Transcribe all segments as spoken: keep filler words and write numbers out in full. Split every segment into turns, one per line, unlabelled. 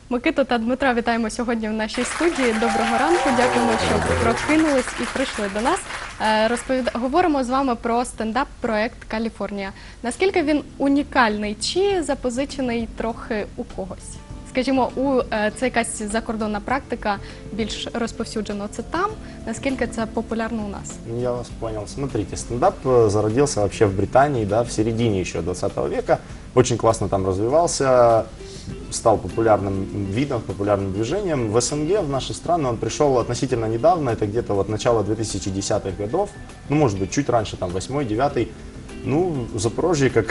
Микиту та Дмитра вітаємо сьогодні в нашій студії. Доброго ранку, дякуємо, що прокинулись і прийшли до нас. Розповід... Говоримо з вами про стендап-проект «Каліфорнія». Наскільки він унікальний чи запозичений трохи у когось? Скажімо, у це якась закордонна практика, більш розповсюджена це там. Наскільки це популярно у нас?
Я вас понял. Смотрите, стендап зародился вообще в Британии, да, в середине еще двадцатого века. Очень классно там развивался, стал популярным видом, популярным движением. В СНГ, в наши страны, он пришел относительно недавно, это где-то вот начало две тысячи десятых годов, ну, может быть, чуть раньше, там, восьмой, девятый. Ну, в Запорожье, как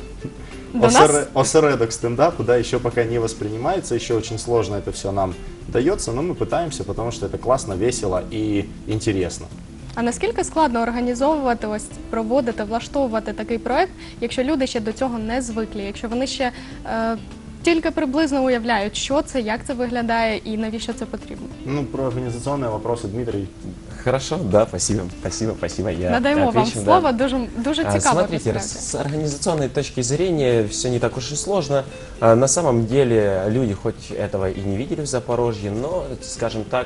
осер... осередок стендапу, да, еще пока не воспринимается, еще очень сложно это все нам дается, но мы пытаемся, потому что это классно, весело и интересно.
А наскільки складно організовувати, ось проводити, влаштовувати такий проект, якщо люди ще до цього не звикли, якщо вони ще е, тільки приблизно уявляють, що це, як це виглядає і навіщо це потрібно?
Ну, про организационные вопросы, Дмитрий.
Хорошо, да, спасибо, спасибо, спасибо. Я
Надаємо вам
отвечу,
слово,
да.
дуже, дуже
А,
цікаво.
Смотрите, с организационной точки зрения все не так уж и сложно. А, На самом деле люди хоть этого и не видели в Запорожье, но, скажем так,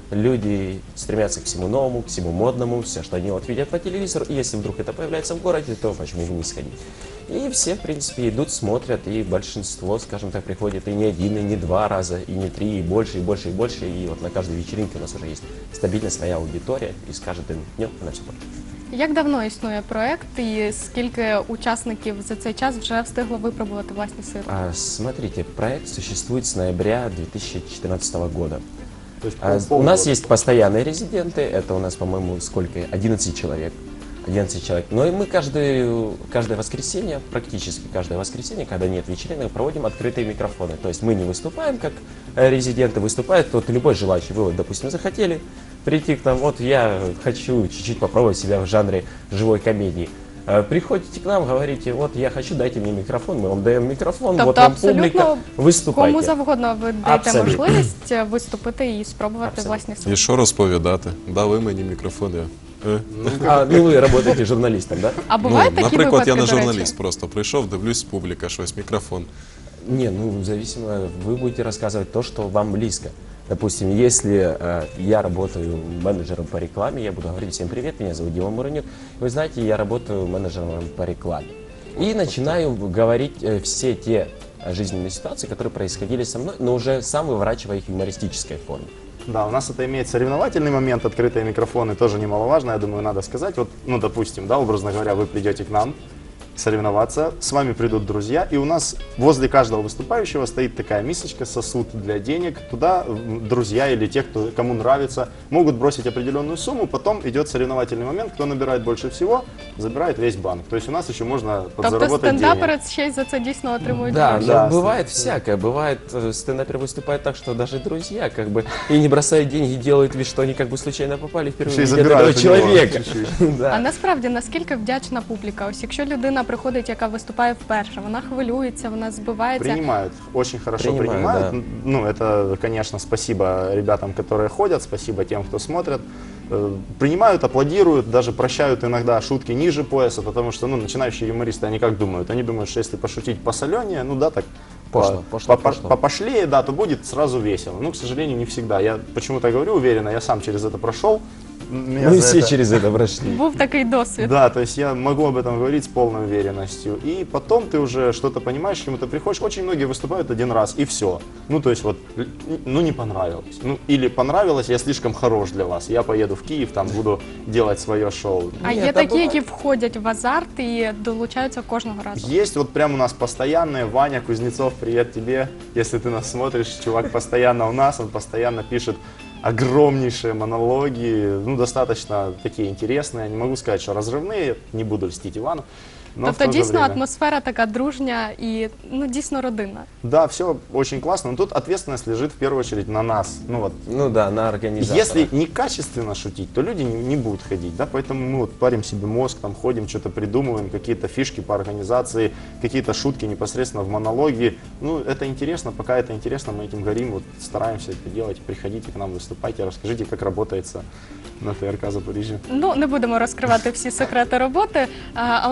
люди стремятся к всему новому, к всему модному, все, что они вот видят по телевизору, и если вдруг это появляется в городе, то почему бы не сходить? И все, в принципе, идут, смотрят, и большинство, скажем так, приходит и не один, и не два раза, и не три, и больше, и больше, и больше, и вот на каждой вечеринке у нас уже есть стабильно своя аудитория, и с каждым днем она все больше.
Як давно існує проект і скільки учасників за цей час вже встигло випробувати власні сили?
А, Смотрите, проект существует с ноября две тысячи четырнадцатого года.
То есть
А,
пол-
У нас
полгода.
есть постоянные резиденты, это у нас, по-моему, сколько? одиннадцать человек. одиннадцать человек. Но и мы каждое, каждое воскресенье, практически каждое воскресенье, когда нет вечеринок, проводим открытые микрофоны. То есть мы не выступаем, как э, резиденты выступают, вот любой желающий. Вы, вот, допустим, захотели прийти к нам, вот я хочу чуть-чуть попробовать себя в жанре живой комедии. Э, Приходите к нам, говорите, вот я хочу, дайте мне микрофон, мы вам даем микрофон,
Тобто
вот вам
абсолютно
публика, выступайте.
кому завгодно ви даєте
Абсолютно.
можливість виступити і спробувати
Абсолютно.
власні сили.
І що розповідати? Дали мені мікрофон, я... Е?
А, ну вы работаете журналистом, да?
А бувають такі
наприклад,
випадки,
я не
до речі?
журналіст, просто прийшов, дивлюсь, публіка, щось, мікрофон.
Не, ну, зависимо, вы будете рассказывать то, что вам близко. Допустим, если э, я работаю менеджером по рекламе, я буду говорить: всем привет, меня зовут Дима Муранюк. Вы знаете, я работаю менеджером по рекламе. И начинаю говорить э, все те жизненные ситуации, которые происходили со мной, но уже сам выворачивая их в юмористической форме.
Да, у нас это имеет соревновательный момент, открытые микрофоны, тоже немаловажно, я думаю, надо сказать. Вот, ну, допустим, да, образно говоря, вы придете к нам соревноваться, с вами придут друзья, и у нас возле каждого выступающего стоит такая мисочка, сосуд для денег. Туда м, друзья или те, кто, кому нравится, могут бросить определенную сумму, потом идет соревновательный момент, кто набирает больше всего, забирает весь банк. То есть у нас еще можно
Тобто
подзаработать денег.
стендапери ще й за це дійсно отримують
Да,
гроші?
но
Да,
бывает всякое. Бывает, э, стендапер выступает так, что даже друзья как бы и не бросают деньги, делают вид, что они как бы случайно попали
Еще
впервые
и
видят этого
забирают у него
человека.
чуть-чуть.
А
Да.
насправді, наскільки вдячна публіка? Ось якщо людина приходить, яка виступає вперше, вона хвилюється, вона збивається.
Принимают, очень хорошо
Принимают,
принимают.
да.
Ну, это, конечно, спасибо ребятам, которые ходят, спасибо тем, кто смотрит. Э, Принимают, аплодируют, даже прощают иногда шутки ниже пояса, потому что, ну, начинающие юмористы, они как думают? Они думают, что если пошутить посоленее, ну да, так
Пошло,
по-
пошло,
по-
пошло.
попошлее, да, то будет сразу весело. Ну, к сожалению, не всегда. Я почему-то говорю уверенно, я сам через это прошел. Меня
Мы
за
все
это-
через это прошли.
Був такий досвід.
Да, то есть я могу об этом говорить с полной уверенностью. И потом ты уже что-то понимаешь, к чему ты приходишь. Очень многие выступают один раз, и все. Ну, то есть вот, л- ну, не понравилось. Ну, или понравилось, я слишком хорош для вас. Я поеду в Киев, там буду делать свое шоу.
А
Ні,
є
та
такі,
буває.
які входять в азарт і долучаються кожного разу.
Есть вот прям у нас постоянные. Ваня Кузнецов, привет тебе. Если ты нас смотришь, чувак постоянно у нас, он постоянно пишет огромнейшие монологи, ну, достаточно такие интересные. Не могу сказать, что разрывные, не буду льстить Ивану. Но в
Тобто
то же
дійсно
время-
атмосфера така дружня і ну дійсно родинна.
Да, все очень классно, но тут ответственность лежит в первую очередь на нас. Ну вот,
Ну да, на организатора.
если некачественно шутить, то люди не, не будут ходить, да, поэтому мы вот парим себе мозг, там ходим, что-то придумываем, какие-то фишки по организации, какие-то шутки непосредственно в монологе. Ну, это интересно, пока это интересно, мы этим горим, вот стараемся это делать, приходите к нам, выступайте, расскажите, как работается на ТРК Запоріжжя.
Ну не будемо розкривати всі секрети роботи, а, але натрапила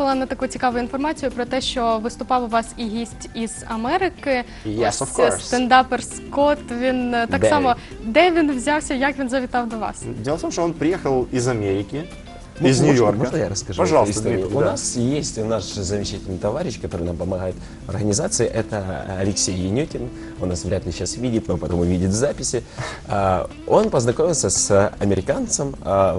натрапила на таку цікаву інформацію про те, що виступав у вас і гість із Америки.
Yes,
Ось,
of course.
стендапер Скотт. Він е, так
Де
само,
він?
де він взявся, як він завітав до вас?
Дело в том, что он приехал из Америки,
Ну,
из
можно-
Нью-Йорка.
Можно я расскажу?
Пожалуйста,
эту историю?
Дмитрий,
У
да.
нас есть наш замечательный товарищ, который нам помогает в организации. Это Алексей Янютин. Он нас вряд ли сейчас видит, но потом увидит в записи. А, Он познакомился с американцем а,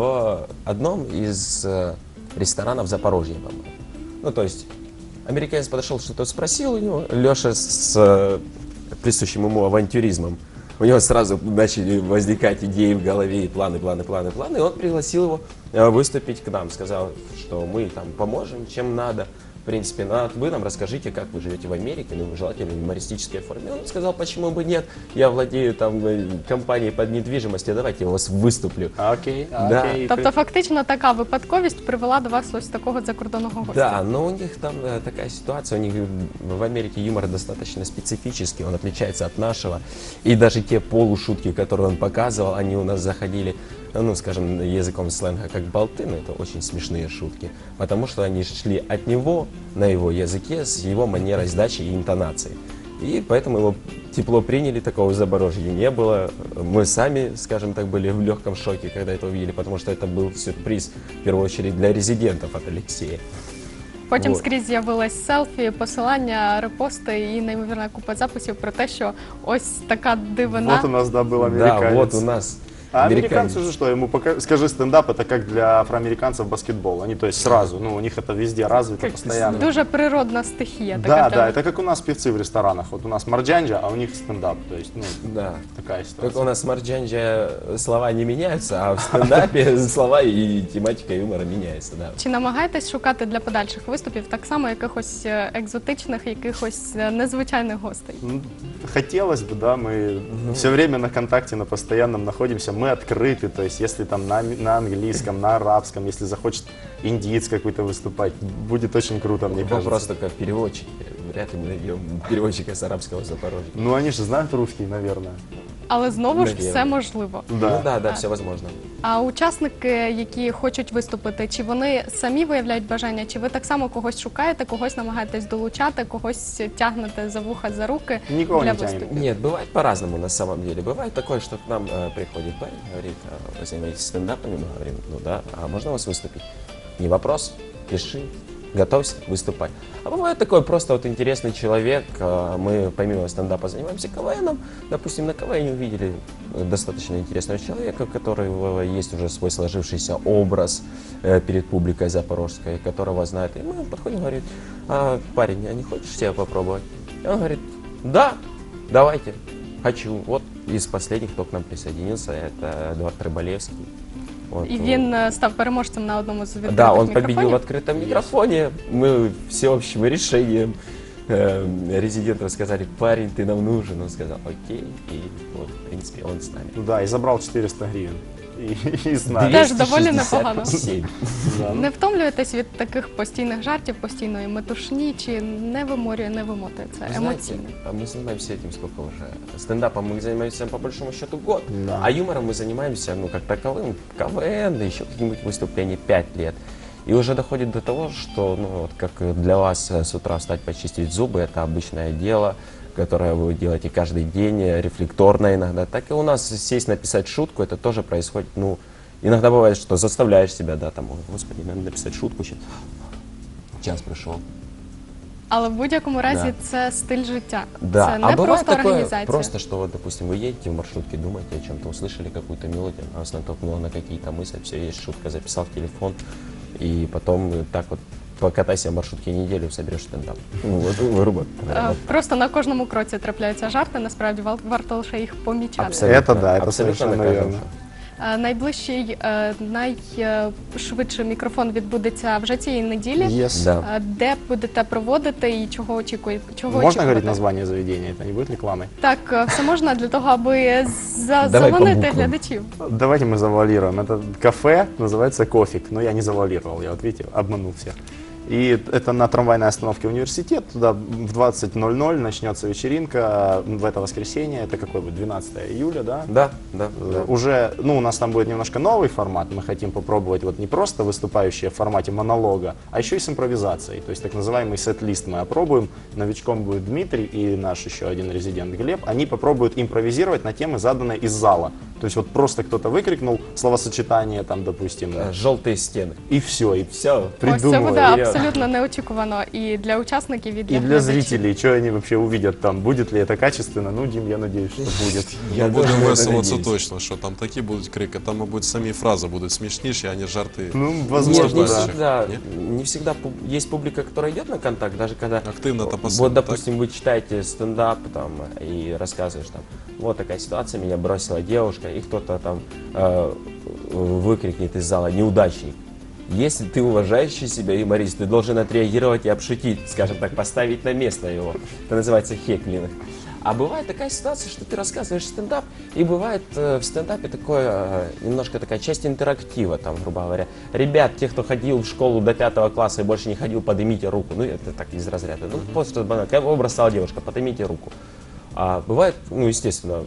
в одном из э, ресторанов Запорожья, по-моему. Ну, то есть американец подошел, что-то спросил у него. Леша с э, присущим ему авантюризмом. У него сразу начали возникать идеи в голове, и планы, планы, планы, планы. И он пригласил его э, выступить к нам. Сказал, что мы там поможем, чем надо. В принципе, на- вы нам расскажите, как вы живете в Америке, ну, желательно в юмористической форме. Он сказал, почему бы нет, я владею там э, компанией под недвижимость, давайте я у вас выступлю.
Окей,
Да.
окей.
Тобто, фактично, така випадковість привела до вас ось такого закордонного гостя.
Да, но у них там э, такая ситуация, у них э, в Америке юмор достаточно специфический, он отличается от нашего. И даже те полушутки, которые он показывал, они у нас заходили, э, ну, скажем, языком сленга, как болты, но это очень смешные шутки. Потому что они шли от него, на его языке, с его манерой сдачи и интонацией. И поэтому его тепло приняли, такого в Запорожье не было. Мы сами, скажем так, были в легком шоке, когда это увидели, потому что это был сюрприз, в первую очередь, для резидентов от Алексея.
Потім
Вот.
скрізь з'явилось селфі, посилання, репости і неймовірна купа записів про те, що ось така дивина.
Вот у нас, да, был американец.
Да, вот у нас
А
американец.
американцы же что, ему пока... скажи, стендап это как для афроамериканцев баскетбол. Они, то есть сразу, ну, у них это везде развито
Як
постоянно.
Дуже природна стихія.
Да,
така
да,
тема.
это как у нас певцы в ресторанах. Вот у нас марджанджа, а у них стендап. То есть, ну,
Да.
такая
Как
ситуация.
у нас в Марджанджа слова не меняются, а в стендапе слова и тематика юмора меняется, да.
Чи намагаєтесь шукати для подальших виступів так само якихось е, екзотичних, якихось е, незвичайних гостей?
Ну, хотелось бы, да, мы все время на контакте, на постоянном находимся, мы открыты, то есть если там на, на английском, на арабском, если захочет индиец какой-то выступать, будет очень круто, мне
Мы
кажется.
просто как переводчики. Вряд ли мы найдем переводчика с арабского Запорожья.
Ну, они же знают русский, наверное.
Але знову ж
Навірно.
все можливо.
Да.
Ну да, да, все возможно.
А учасники, які хочуть виступити, чи вони самі виявляють бажання, чи ви так само когось шукаєте, когось намагаєтесь долучати, когось тягнете за вуха, за руки
Нікого
для
не тягнемо.
виступів?
Нет, бывает по-разному на самом деле. Бывает такое, что к нам э, приходит парень, говорит, а, вы занимаетесь стендапами? Мы говорим, ну да, а можно у вас выступить? Не вопрос, пиши, готовься выступать. А бывает такой просто вот интересный человек, а, мы помимо стендапа занимаемся КВНом, допустим, на КВН увидели достаточно интересного человека, у которого есть уже свой сложившийся образ э, перед публикой запорожской, которого знает. И мы подходим и говорим, а, парень, а не хочешь себя попробовать? И он говорит, да, давайте, хочу. Вот из последних, кто к нам присоединился, это Эдуард Рыбалевский. Вот,
І
ну,
він е, став переможцем на одному з відкритих
да, он
мікрофонів.
победил в открытом микрофоне. Мы всеобщим решением э, резидентов сказали, парень, ты нам нужен. Он сказал, окей. И вот, в принципе, он с нами.
Да, и забрал четыреста гривен. И, и с нами.
Теж доволі
двести шестьдесят
непогано.
семь.
Да, ну,
Не втомлюєтесь від таких постійних жартів, постійної метушні, чи не виморює, не вимотує це
Вы знаете,
емоційно?
а мы занимаемся этим сколько уже? Стендапом мы занимаемся по большому счету год,
Да.
а юмором мы занимаемся, ну, как таковым, КВН, да еще какие-нибудь выступления пять лет. И уже доходит до того, что, ну, вот как для вас э, с утра встать, почистить зубы, это обычное дело, которое вы делаете каждый день, э, рефлекторно иногда. Так и у нас сесть написать шутку, это тоже происходит, ну, иногда бывает, что заставляешь себя, да, там, «Ой, господи, надо написать шутку сейчас. Час пришел.
Але в будь-якому разі
Да.
це стиль життя.
Да,
Це
а
не
бывает
просто
такое,
організація.
просто, что вот, допустим, вы едете в маршрутке, думаете о чем-то, услышали какую-то мелодию, она вас натолкнула на какие-то мысли, все, есть шутка, записал в телефон, и потом э, так вот покатайся в маршрутке неделю, соберешь стендап. Ну, вот, грубо говоря.
Е, Просто на кожному кроці трапляються жарти, насправді вал- варто лише їх помічати.
Абсолютно,
Это да, это
абсолютно
совершенно
на каждом
верно.
шагу.
Е, Найближчий, е, найшвидший мікрофон відбудеться вже цієї неділі.
Yes.
Да.
Е, Де будете проводити і чого очікуєте? Чого
Можно
очікуєте?
говорить название заведения? Это не будет рекламой?
Так, е, все можна для того, аби за-
Давай по
заманити
буквам.
глядачів.
Давайте мы завуалируем. Это кафе, называется Кофик. Но я не завуалировал, я вот видите, обманул всех. И это на трамвайной остановке университет. Туда в двадцать ноль ноль начнется вечеринка в это воскресенье. Это какой будет? двенадцатое июля, да?
Да, да,
Э,
да.
Уже, ну, у нас там будет немножко новый формат. Мы хотим попробовать вот не просто выступающие в формате монолога, а еще и с импровизацией. То есть так называемый сет-лист мы опробуем. Новичком будет Дмитрий и наш еще один резидент Глеб. Они попробуют импровизировать на темы, заданные из зала. То есть вот просто кто-то выкрикнул словосочетание, там, допустим,
Э, Желтые стены.
и все, и
Все.
Ось це
придумали.
буде
Вперед.
абсолютно неочікувано і для учасників, і для
И для
глядачів.
зрителей, что они вообще увидят там, будет ли это качественно, ну, Дим, я надеюсь, что будет.
Я
Я будем
тоже на это
веселитися
надеюсь.
точно, що там такі будуть крики, там, мабуть, самі фрази будуть смішніші, а не жарти.
Ну,
Нет,
возможно,
не
да.
всегда,
Нет?
не всегда пу- есть публика, которая идет на контакт, даже когда
Активно-то
вот,
посыльно,
допустим, вы читаете стендап там и рассказываешь там, вот такая ситуация, меня бросила девушка, и кто-то там э, выкрикнет из зала неудачник. Если ты уважающий себя юморист, ты должен отреагировать и обшутить, скажем так, поставить на место его. Это называется хеклинг. А бывает такая ситуация, что ты рассказываешь стендап, и бывает э, в стендапе такое, э, немножко такая часть интерактива, там, грубо говоря. Ребят, те, кто ходил в школу до пятого класса и больше не ходил, поднимите руку. Ну, это так из разряда. Ну, просто банально. Кого бросала девушка, поднимите руку. А бывает, ну, естественно,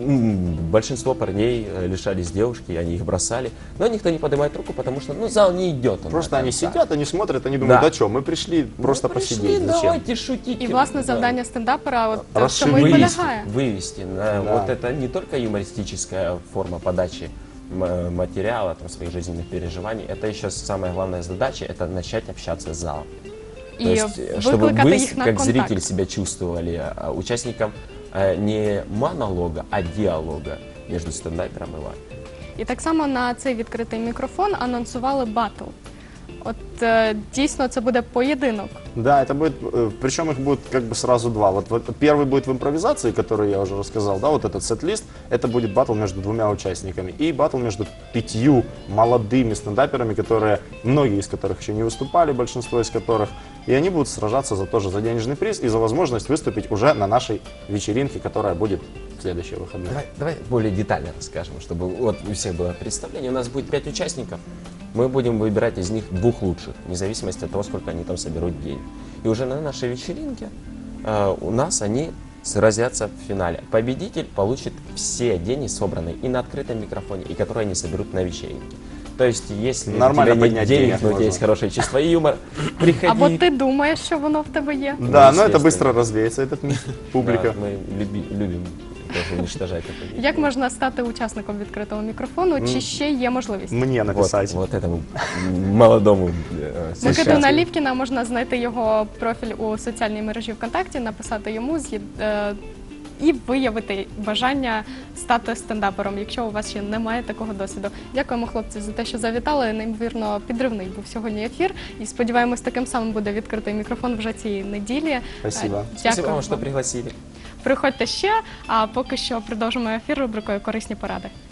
м, большинство парней э, лишались девушки, они их бросали. Но никто не поднимает руку, потому что, ну, зал не идет. он
Просто
до
они
конца.
сидят, они смотрят, они думают,
Да.
да что, мы пришли просто
Ну, пришли,
посидеть, зачем?
давайте шутить.
І, власне,
Да.
завдання стендапера от в
Розширити.
цьому і
Вывести,
полягає.
вывести на,
Да.
вот это не только юмористическая форма подачи м- материала, там, своих жизненных переживаний, это еще самая главная задача, это начать общаться с залом.
І
То есть, э, чтобы
викликати
вы,
їх на
как
контакт.
зритель, себя чувствовали а, участником э, не монолога, а диалога между стендапером и вами.
І так само на цей відкритий мікрофон анонсували батл. От е, дійсно це буде поєдинок.
Да, это будет, э, причем их будет как бы сразу два. Вот, вот первый будет в импровизации, который я уже рассказал, да, вот этот сет-лист, это будет батл между двумя участниками. И батл между пятью молодыми стендаперами, которые, многие из которых еще не выступали, большинство из которых, и они будут сражаться за тоже за денежный приз и за возможность выступить уже на нашей вечеринке, которая будет в следующие выходные.
Давай, давай более детально расскажем, чтобы вот у всех было представление. У нас будет пять участников. Мы будем выбирать из них двух лучших, вне зависимости от того, сколько они там соберут денег. И уже на нашей вечеринке э, у нас они сразятся в финале. Победитель получит все деньги, собранные и на открытом микрофоне, и которые они соберут на вечеринке. То есть, если
Нормально
у тебя нет
поднять
денег,
денег
но у тебя
можно.
есть хорошее чувство юмора, приходи.
Або ти думаєш, що воно в тебе є.
Да, но это
естественно.
быстро развеется, этот миф, публика.
Да, мы люби- любим тоже уничтожать это.
Як можна стати учасником відкритого мікрофону? Чи ще є можливість?
Мне
Вот,
написать.
вот этому молодому э,
Микиту
сейчас.
Налівкіна можна знайти його профіль у соціальній мережі ВКонтакті, написати йому з'їд- е, і виявити бажання стати стендапером, якщо у вас ще немає такого досвіду. Дякуємо, хлопці, за те, що завітали. Неймовірно підривний був сьогодні ефір. І сподіваємось, таким самим буде відкритий мікрофон вже цієї неділі.
Спасибо.
Е,
Спасибо
Дякую
вам, что
вам.
пригласили.
Приходьте ще, а поки що продовжимо ефір рубрикою «Корисні поради».